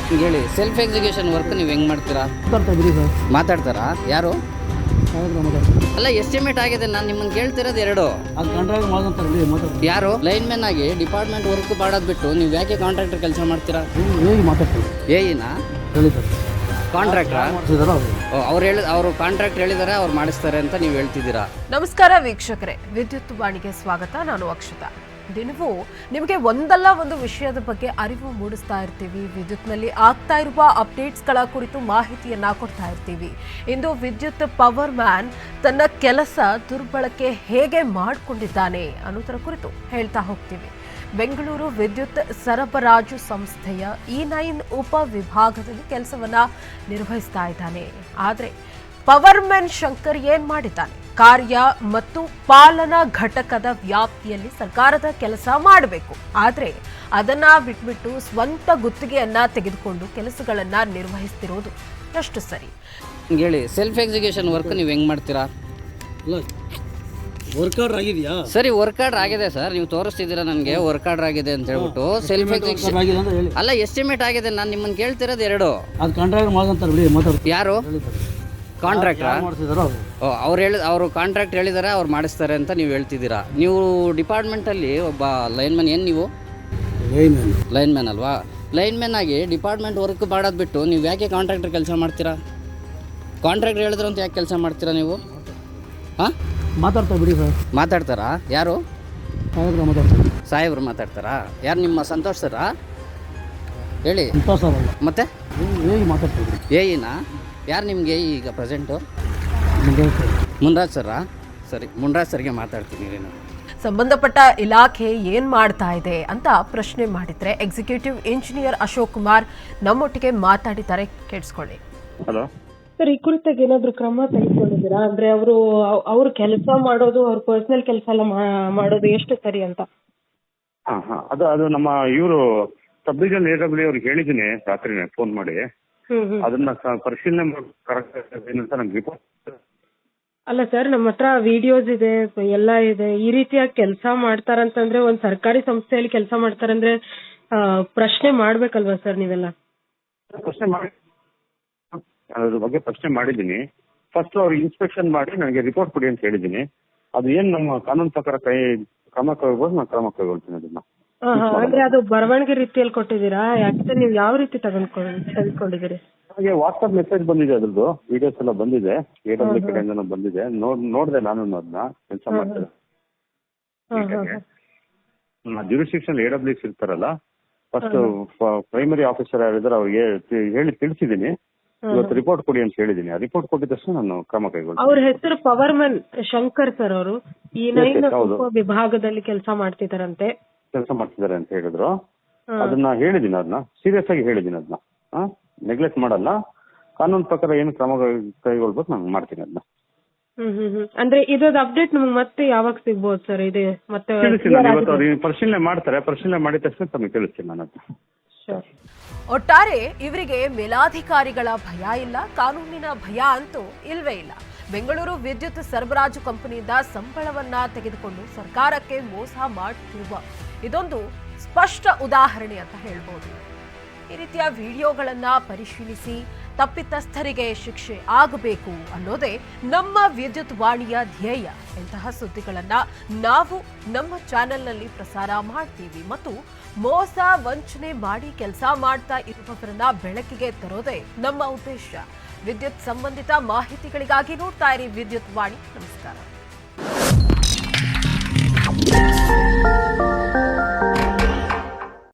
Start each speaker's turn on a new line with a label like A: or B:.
A: ಹೇಳಿ, self execution work ನೀವು ಹೆಂಗೆ ಮಾಡ್ತೀರಾ? ಮಾತಾಡ್ತಾರಾ? ಯಾರು? ಅಲ್ಲ, ಎಸ್ಟಿಮೇಟ್ ಆಗಿದೆ. ನಾನು ನಿಮ್ಮನ್ನು ಕೇಳ್ತಿರೋದು ಎರಡು. ಯಾರು? ಲೈನ್ ಮ್ಯಾನ್ ಆಗಿ ಡಿಪಾರ್ಟ್ಮೆಂಟ್ ವರ್ಕ್ ಮಾಡೋದು ಬಿಟ್ಟು ನೀವು ಯಾಕೆ ಕಾಂಟ್ರಾಕ್ಟರ್ ಕೆಲಸ ಮಾಡ್ತೀರಾ? ಏಯಿನಾ ಕಾಂಟ್ರಾಕ್ಟ್ರಾ? ಅವರು ಕಾಂಟ್ರಾಕ್ಟ್ ಹೇಳಿದ್ದಾರೆ, ಅವ್ರು ಮಾಡಿಸ್ತಾರೆ ಅಂತ ನೀವು ಹೇಳ್ತಿದ್ದೀರಾ.
B: ನಮಸ್ಕಾರ ವೀಕ್ಷಕರೇ, ವಿದ್ಯುತ್ ವಾಣಿಗೆ ಸ್ವಾಗತ. ನಾನು ಅಕ್ಷತಾ. ದಿನವೂ ನಿಮಗೆ ಒಂದಲ್ಲ ಒಂದು ವಿಷಯದ ಬಗ್ಗೆ ಅರಿವು ಮೂಡಿಸ್ತಾ ಇರ್ತೀವಿ. ವಿದ್ಯುತ್ನಲ್ಲಿ ಆಗ್ತಾ ಇರುವ ಅಪ್ಡೇಟ್ಸ್ಗಳ ಕುರಿತು ಮಾಹಿತಿಯನ್ನ ಕೊಡ್ತಾ ಇರ್ತೀವಿ. ಇಂದು ವಿದ್ಯುತ್ ಪವರ್ ಮ್ಯಾನ್ ತನ್ನ ಕೆಲಸ ದುರ್ಬಳಕೆ ಹೇಗೆ ಮಾಡಿಕೊಂಡಿದ್ದಾನೆ ಅನ್ನೋದರ ಕುರಿತು ಹೇಳ್ತಾ ಹೋಗ್ತೀವಿ. ಬೆಂಗಳೂರು ವಿದ್ಯುತ್ ಸರಬರಾಜು ಸಂಸ್ಥೆಯ E9 ಉಪ ವಿಭಾಗದಲ್ಲಿ ಕೆಲಸವನ್ನ ನಿರ್ವಹಿಸ್ತಾ ಇದ್ದಾನೆ. ಆದರೆ ಪವರ್ ಮ್ಯಾನ್ ಶಂಕರ್ ಏನ್ ಮಾಡಿದ್ದಾನೆ? ಕಾರ್ಯ ಮತ್ತು ಪಾಲನಾ ಘಟಕದ ವ್ಯಾಪ್ತಿಯಲ್ಲಿ ಸರ್ಕಾರದ ಕೆಲಸ ಮಾಡಬೇಕು, ಆದರೆ ಅದನ್ನ ಬಿಟ್ಬಿಟ್ಟು ಸ್ವಂತ ಗುತ್ತಿಗೆಯನ್ನ ತೆಗೆದುಕೊಂಡು ಕೆಲಸಗಳನ್ನ ನಿರ್ವಹಿಸ್ತಿರೋದು ಎಷ್ಟು ಸರಿ?
A: ಹೇಳಿ, ಸೆಲ್ಫ್ ಎಕ್ಸಿಕ್ಯೂಷನ್ ವರ್ಕ್ ನೀವು ಹೆಂಗೆ ಮಾಡ್ತೀರಾ?
C: ವರ್ಕ್ ಆರ್ಡರ್ ಆಗಿದೆಯಾ?
A: ಸರಿ, ವರ್ಕ್ ಆರ್ಡರ್ ಆಗಿದೆ ಸರ್. ನೀವು ತೋರಿಸ್ತಿದ್ದೀರಾ ನನಗೆ ವರ್ಕ್ ಆರ್ಡರ್ ಆಗಿದೆ ಅಂತ ಹೇಳ್ಬಿಟ್ಟು. ಸೆಲ್ಫ್ ಎಕ್ಸಿಕ್ಯೂಷನ್ ಅಲ್ಲ, ಎಸ್ಟಿಮೇಟ್ ಆಗಿದೆ. ನಾನು ನಿಮ್ಮನ್ನು ಕೇಳ್ತಿರೋದು ಎರಡು.
C: ಅದು ಕಾಂಟ್ರಾಕ್ಟ್ ಮಾಡ್ತಾರೆ.
A: ಯಾರು? ಕಾಂಟ್ರಾಕ್ಟ್ರಾ? ಅವರು ಕಾಂಟ್ರಾಕ್ಟ್ ಹೇಳಿದ್ದಾರೆ, ಅವ್ರು ಮಾಡಿಸ್ತಾರೆ ಅಂತ ನೀವು ಹೇಳ್ತಿದ್ದೀರಾ. ನೀವು ಡಿಪಾರ್ಟ್ಮೆಂಟಲ್ಲಿ ಒಬ್ಬ ಲೈನ್ ಮ್ಯಾನ್. ಏನು ನೀವು ಲೈನ್ ಮ್ಯಾನ್ ಅಲ್ವಾ? ಲೈನ್ ಮ್ಯಾನ್ ಆಗಿ ಡಿಪಾರ್ಟ್ಮೆಂಟ್ ವರ್ಕ್ ಮಾಡೋದು ಬಿಟ್ಟು ನೀವು ಯಾಕೆ ಕಾಂಟ್ರಾಕ್ಟರ್ ಕೆಲಸ ಮಾಡ್ತೀರಾ? ಕಾಂಟ್ರಾಕ್ಟರ್ ಹೇಳಿದ್ರು ಅಂತ ಯಾಕೆ ಕೆಲಸ ಮಾಡ್ತೀರಾ ನೀವು? ಹಾಂ,
C: ಮಾತಾಡ್ತಾರೆ ಬಿಡಿ ಸರ್.
A: ಮಾತಾಡ್ತಾರಾ? ಯಾರು? ಸಾಹೇಬ್ರು ಮಾತಾಡ್ತಾರಾ? ಯಾರು? ನಿಮ್ಮ ಸಂತೋಷ್ ಸರಾ? ಹೇಳಿ. ಮತ್ತೆ ಏಯಿನಾ? ಯಾರು ನಿಮಗೆ ಈಗ ಪ್ರೆಸೆಂಟು? ಮುನ್ರಾಜ್ ಸರಾ? ಸರಿ, ಮುನ್ರಾಜ್ ಸರ್ಗೆ ಮಾತಾಡ್ತೀನಿ ನಾನು.
B: ಸಂಬಂಧಪಟ್ಟ ಇಲಾಖೆ ಏನ್ ಮಾಡ್ತಾ ಇದೆ ಅಂತ ಪ್ರಶ್ನೆ ಮಾಡಿದ್ರೆ ಎಕ್ಸಿಕ್ಯೂಟಿವ್ ಇಂಜಿನಿಯರ್ ಅಶೋಕ್ ಕುಮಾರ್ ನಮ್ಮೊಟ್ಟಿಗೆ ಮಾತಾಡಿದ್ದಾರೆ. ಕೇಳಿಸ್ಕೊಳ್ಳಿ.
D: ಹಲೋ
E: ಸರ್, ಈ ಕುರಿತಾಗಿ ಏನಾದ್ರು ಕ್ರಮ ತೆಗೆದುಕೊಂಡಿದ್ದೀರಾ? ಅಂದ್ರೆ ಅವ್ರ ಕೆಲಸ ಮಾಡೋದು, ಅವ್ರ ಪರ್ಸನಲ್ ಕೆಲಸ ಎಲ್ಲ ಮಾಡೋದು ಎಷ್ಟು ಸರಿ ಅಂತ?
D: ಅದು ನಮ್ಮ ಇವರು ಸಬ್ ಡಿವಿಷನ್ AW ಅವ್ರಿಗೆ ಹೇಳಿದ್ದೀನಿ ರಾತ್ರಿನೇ ಫೋನ್ ಮಾಡಿ. ಅದನ್ನ ಪರಿಶೀಲನೆ ಕರೆಕ್ಟ್ ನಂಗೆ ರಿಪೋರ್ಟ್.
E: ಅಲ್ಲ ಸರ್, ನಮ್ಮ ಹತ್ರ ವಿಡಿಯೋಸ್ ಇದೆ, ಎಲ್ಲ ಇದೆ. ಈ ರೀತಿಯಾಗಿ ಕೆಲಸ ಮಾಡ್ತಾರಂತಂದ್ರೆ, ಒಂದ್ ಸರ್ಕಾರಿ ಸಂಸ್ಥೆಯಲ್ಲಿ ಕೆಲಸ ಮಾಡ್ತಾರಂದ್ರೆ ಪ್ರಶ್ನೆ ಮಾಡ್ಬೇಕಲ್ವಾ ಸರ್ ನೀವೆಲ್ಲ?
D: ಪ್ರಶ್ನೆ ಮಾಡಿ, ಅದ್ರ ಬಗ್ಗೆ ಪ್ರಶ್ನೆ ಮಾಡಿದ್ದೀನಿ. ಫಸ್ಟ್ ಅವ್ರು ಇನ್ಸ್ಪೆಕ್ಷನ್ ಮಾಡಿ ನನಗೆ ರಿಪೋರ್ಟ್ ಕೊಡಿ ಅಂತ ಹೇಳಿದ್ದೀನಿ. ಅದು ಏನ್ ನಮ್ಮ ಕಾನೂನು ಪ್ರಕಾರ ಕ್ರಮ ಕೈಗೊಳ್ಬೋದು, ನಾನು ಕ್ರಮ ಕೈಗೊಳ್ತೀನಿ ಅದನ್ನ.
E: ಅಂದ್ರೆ ಅದು ಬರವಣಿಗೆ ರೀತಿಯಲ್ಲಿ ಕೊಟ್ಟಿದ್ದೀರಾ? ಯಾಕೆ ನೀವು ಯಾವ ರೀತಿ ತೆಗೆದುಕೊಂಡಿದ್ದೀರಿ?
D: ನನಗೆ ವಾಟ್ಸ್ಆಪ್ ಮೆಸೇಜ್ ಬಂದಿದೆ, ಅದ್ರದ್ದು ವಿಡಿಯೋಸ್ ಎಲ್ಲ ಬಂದಿದೆ. AW ಕಡೆಯಿಂದ ಬಂದಿದೆ. ನೋಡಿದೆ ನಾನು ಅದನ್ನ. ಕೆಲಸ ಮಾಡ್ತಾರೆ ಜ್ಯೂರಿಸ್ಡಿಕ್ಷನ್ AWs ಇರ್ತಾರಲ್ಲ, ಫಸ್ಟ್ ಪ್ರೈಮರಿ ಆಫೀಸರ್ ಯಾರಿದ್ದಾರೆ ಅವ್ರಿಗೆ ಹೇಳಿ ತಿಳಿಸಿದ್ದೀನಿ. ಇವತ್ತು ರಿಪೋರ್ಟ್ ಕೊಡಿ ಅಂತ ಹೇಳಿದ್ದೀನಿ. ಆ ರಿಪೋರ್ಟ್ ಕೊಟ್ಟಿದ ತಕ್ಷಣ ನಾನು ಕ್ರಮ ಕೈಗೊಳ್ತೀನಿ.
E: ಅವ್ರ ಹೆಸರು ಪವರ್ ಮ್ಯಾನ್ ಶಂಕರ್ ಸರ್. ಅವರು E9 ವಿಭಾಗದಲ್ಲಿ ಕೆಲಸ ಮಾಡ್ತಿದ್ದಾರೆ ಅಂತ ಹೇಳಿದ್ರು. ಅದನ್ನ ಹೇಳಿದ್ದೀನಿ, ಅದನ್ನ ಸೀರಿಯಸ್ ಆಗಿ ಹೇಳಿದ್ದೀನಿ. ಅದನ್ನ ನೆಗ್ಲೆಕ್ಟ್ ಮಾಡಲ್ಲ. ಕಾನೂನು ಪ್ರಕಾರ ಏನು ಕ್ರಮ ಕೈಗೊಳ್ಬೇಕು ನಾನು ಮಾಡ್ತೀನಿ ಅದನ್ನ. ಅಂದ್ರೆ ಇದ್ರದ್ದು ಅಪ್ಡೇಟ್ ನಮ್ಗೆ ಮತ್ತೆ ಯಾವಾಗ ಸಿಗ್ಬೋದು ಸರ್? ಇದೆ ಮತ್ತೆ
D: ಇವತ್ತು ಅವ್ರು ಪರಿಶೀಲನೆ ಮಾಡ್ತಾರೆ. ಪರಿಶೀಲನೆ ಮಾಡಿದ ತಕ್ಷಣ ತಮಗೆ ತಿಳಿಸ್ತೀನಿ ನಾನು ಅದನ್ನ.
B: ಒಟ್ಟಾರೆ ಇವರಿಗೆ ಮೇಲಾಧಿಕಾರಿಗಳ ಭಯ ಇಲ್ಲ, ಕಾನೂನಿನ ಭಯ ಅಂತೂ ಇಲ್ವೇ ಇಲ್ಲ. ಬೆಂಗಳೂರು ವಿದ್ಯುತ್ ಸರಬರಾಜು ಕಂಪನಿಯಿಂದ ಸಂಬಳವನ್ನ ತೆಗೆದುಕೊಂಡು ಸರ್ಕಾರಕ್ಕೆ ಮೋಸ ಮಾಡುತ್ತಿರುವ ಇದೊಂದು ಸ್ಪಷ್ಟ ಉದಾಹರಣೆ ಅಂತ ಹೇಳ್ಬೋದು. ಈ ರೀತಿಯ ವಿಡಿಯೋಗಳನ್ನ ಪರಿಶೀಲಿಸಿ ತಪ್ಪಿತಸ್ಥರಿಗೆ ಶಿಕ್ಷೆ ಆಗಬೇಕು ಅನ್ನೋದೇ ನಮ್ಮ ವಿದ್ಯುತ್ ವಾಣಿಯ ಧ್ಯೇಯ. ಇಂತಹ ಸುದ್ದಿಗಳನ್ನ ನಾವು ನಮ್ಮ ಚಾನೆಲ್ನಲ್ಲಿ ಪ್ರಸಾರ ಮಾಡ್ತೀವಿ ಮತ್ತು ಮೋಸ ವಂಚನೆ ಮಾಡಿ ಕೆಲಸ ಮಾಡ್ತಾ ಇರುವವರನ್ನ ಬೆಳಕಿಗೆ ತರೋದೇ ನಮ್ಮ ಉದ್ದೇಶ. ವಿದ್ಯುತ್ ಸಂಬಂಧಿತ ಮಾಹಿತಿಗಳಿಗಾಗಿ ನೋಡ್ತಾ ಇರಿ ವಿದ್ಯುತ್ ವಾಣಿ. ನಮಸ್ಕಾರ.